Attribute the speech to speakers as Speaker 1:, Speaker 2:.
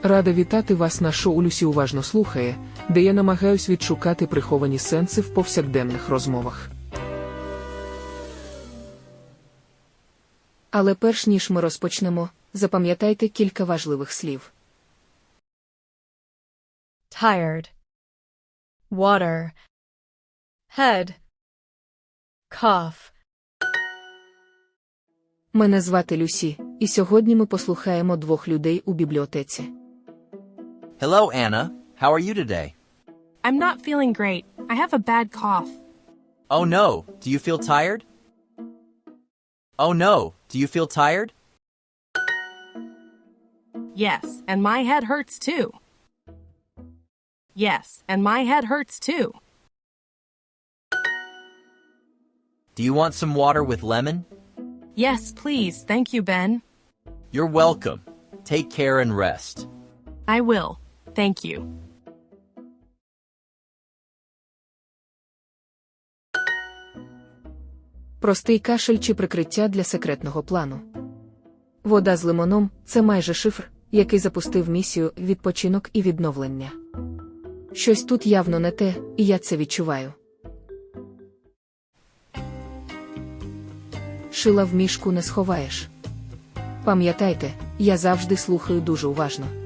Speaker 1: Рада вітати вас на шоу «Люсі уважно слухає», де я намагаюсь відшукати приховані сенси в повсякденних розмовах.
Speaker 2: Але перш ніж ми розпочнемо, запам'ятайте кілька важливих слів.
Speaker 3: Tired. Water. Head. Cough.
Speaker 2: Мене звати Люсі, і сьогодні ми послухаємо двох людей у бібліотеці.
Speaker 4: Hello, Anna. How are you today?
Speaker 5: I'm not feeling great. I have a bad cough.
Speaker 4: Oh no, do you feel tired? Oh no, do you feel tired?
Speaker 5: Yes, and my head hurts too. Yes, and my head hurts too.
Speaker 4: Do you want some water with lemon?
Speaker 5: Yes, please. Thank you, Ben.
Speaker 4: You're welcome. Take care and rest.
Speaker 5: I will. Thank you.
Speaker 2: Простий кашель чи прикриття для секретного плану. Вода з лимоном – це майже шифр, який запустив місію «Відпочинок і відновлення». Щось тут явно не те, і я це відчуваю. Шила в мішку не сховаєш. Пам'ятайте, я завжди слухаю дуже уважно.